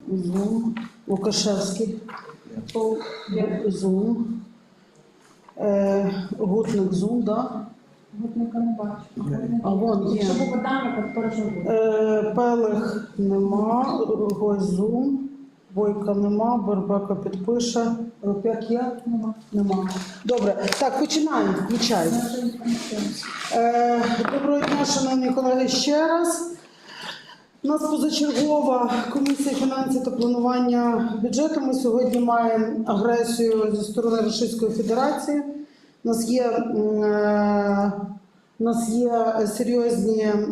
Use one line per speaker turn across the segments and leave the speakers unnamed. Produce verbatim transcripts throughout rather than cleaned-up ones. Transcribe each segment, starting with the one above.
Зум. Лукашевський. Зум. Е, Гутник Зум, да?
Гутника не бачу.
А вон є.
Якщо по питанню, то перше буде.
Е, Пелих нема. Гось Зум. Бойка нема. Бербека підпише. Рупяк є?
Нема.
Нема. Добре. Так, починаємо. Включай. Е, Доброго дня, шановні колеги, ще раз. У нас позачергова комісія фінансів та планування бюджету. Ми сьогодні маємо агресію зі сторони Російської Федерації. У нас є, е, у нас є серйозні, е,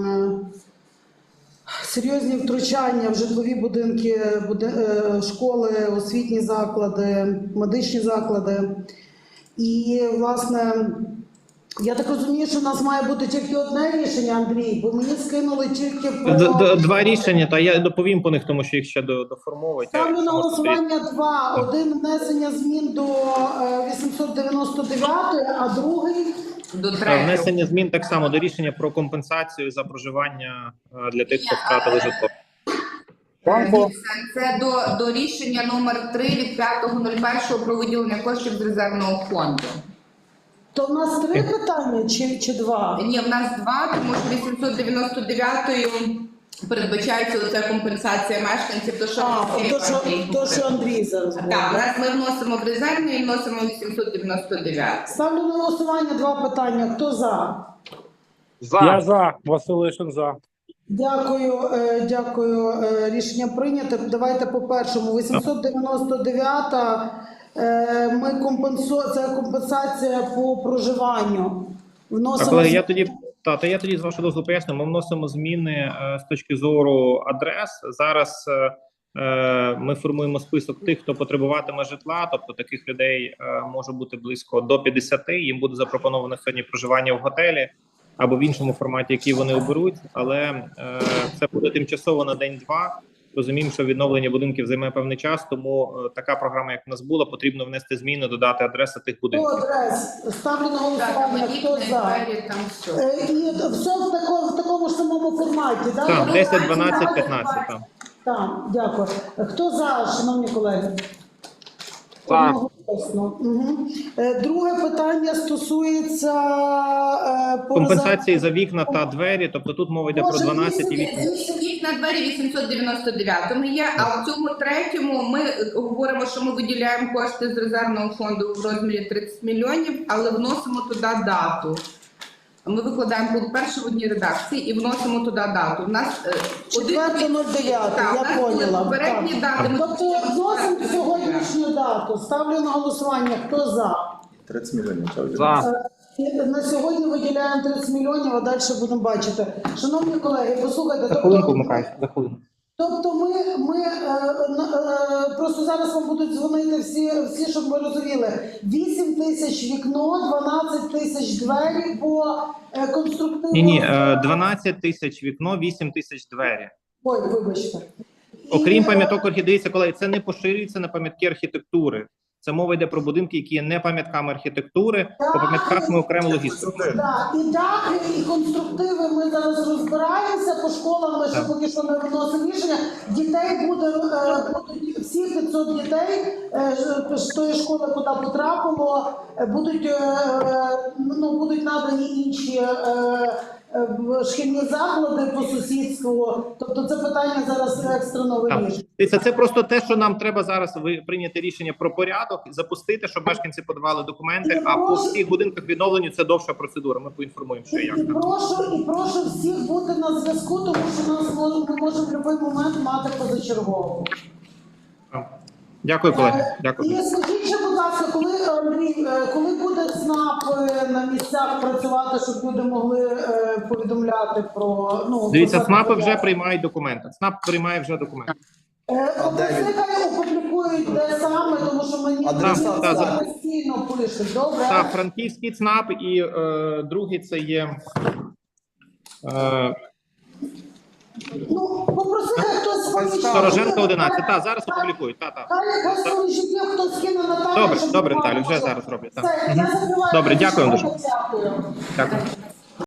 серйозні втручання в житлові будинки, буди, е, школи, освітні заклади, медичні заклади. І, власне, я так розумію, що у нас має бути тільки одне рішення, Андрій, бо мені скинули тільки про...
Д- д- Два рішення, та я доповім по них, тому що їх ще до- доформовують.
Ставлю на голосування два. Один внесення змін до е, вісімсот дев'яносто дев'ятої, а другий...
До
Е,
третього.
Внесення змін так само до рішення про компенсацію за проживання е, для тих, хто втратили житло.
Дивіться, Це до, до рішення номер три від п'ятого нуль першого про виділення коштів з резервного фонду.
То в нас три питання чи, чи два?
Ні, в нас два, тому що вісімсот дев'яносто дев'ятою передбачається оця компенсація мешканців, то що
А,
всі
то, що,
партії
то, що Андрій зараз буде.
Так, зараз ми вносимо в резервний і вносимо вісімсот дев'яносто дев'яту.
Ставлю на голосування два питання. Хто за?
Я за. Василишин за.
Дякую, е, дякую. Е, Рішення прийнято. Давайте по першому. вісімсот дев'яносто дев'ята. Е, Ми компенсу... Це компенсація по проживанню.
Так,
Вносимо...
колеги, я тоді та, та я тоді з вашого дозволу поясню. Ми вносимо зміни е, з точки зору адрес. Зараз е, е, ми формуємо список тих, хто потребуватиме житла. Тобто таких людей е, може бути близько до п'ятдесяти. Їм буде запропоновано сьогодні проживання в готелі або в іншому форматі, який вони оберуть. Але е, це буде тимчасово на день-два. Розуміємо, що відновлення будинків займе певний час, тому е, така програма, як в нас була, потрібно внести зміни, додати адреси тих
Хто
будинків.
адрес? Ставлю на
Так,
голосування.
мені
Хто за?
двері, там все.
Е, І все в такому, в такому ж самому форматі, так?
Так, десять, дванадцять, п'ятнадцять. Так.
Так, дякую. Хто за, шановні колеги?
За.
Одноголосно. Угу. Е, Друге питання стосується е, по
Компенсації за вікна та двері, тобто тут мова йде про
Може,
дванадцять і
вісім-
вікна.
Вікна двері вісімсот дев'яносто дев'ятому є, а в цьому третьому ми говоримо, що ми виділяємо кошти з резервного фонду в розмірі тридцять мільйонів, але вносимо туди дату. Ми викладаємо пункт перший в одній редакції і вносимо туди дату. У нас е,
четверте нуль дев'яте,
Так, у
я
нас були
поняла.
попередні
Так.
дати. Ми
Тобто вносимо сьогоднішню дату. Ставлю на голосування. Хто за?
тридцять мільйонів.
За.
Е, На сьогодні виділяємо тридцять мільйонів, а далі будемо бачити. Шановні колеги, послухайте,
За хвилинку
тобто,
вмикай, за хвилинку.
тобто ми, ми е, на- е, просто зараз вам будуть дзвонити всі, всі, щоб ви розуміли. вісім тисяч вікно, дванадцять тисяч двері по е, конструктивному...
Ні, ні, е, дванадцять тисяч вікно, вісім тисяч двері.
Ой, вибачте.
Окрім
І,
пам'яток орхідеїться, колеги, це не поширюється на пам'ятки архітектури. Це мова йде про будинки, які є не пам'ятками архітектури. По пам'ятках ми окремо логістику.
Так, і дахи, і конструктиви ми зараз розбираємося по школам, ми ще
Так.
поки що не виносимо рішення. Дітей буде, е, будуть всі п'ятсот дітей е, ж- з тої школи, куди потрапило, е, будуть, е, е, ну, будуть надані інші е, е, в- шкільні заклади по сусідству. Тобто це питання зараз екстрено
Так.
вирішується.
Дивіться, це просто те, що нам треба зараз ви- прийняти рішення про порядок, запустити, щоб мешканці подавали документи. А по всіх будинках відновленню це довша процедура. Ми поінформуємо, що і як
І
там.
прошу, і прошу всіх бути на зв'язку, тому що нас може, ми можемо в будь-який момент мати позачергову.
Дякую, колеги.
Е,
Дякую.
І скажіть ще, будь ласка, коли, Андрій, е, коли буде ЦНАП е, на місцях працювати, щоб люди могли е, повідомляти про... Ну,
Дивіться,
про
ЦНАПи вже
заходи?
приймають документи. ЦНАП приймає вже документи.
Е,
А де він?
Нехай опублікують, де саме, тому що мені
Адреса,
мені
та,
це
за-
постійно пишуть, добре?
Так, франківський ЦНАП і е, другий це є. Е,
Ну, попросити хтось свої...
Стороженко одинадцять. Так, зараз опублікують. Так, так.
Хай, хай свої життя хтось скине Наталі,
Добре,
щоб
добре,
буквально
Наталю, вже
було.
зараз роблять, так.
Все, я закриваю.
Добре, дякую вам дуже.
Дякую.
Дякую.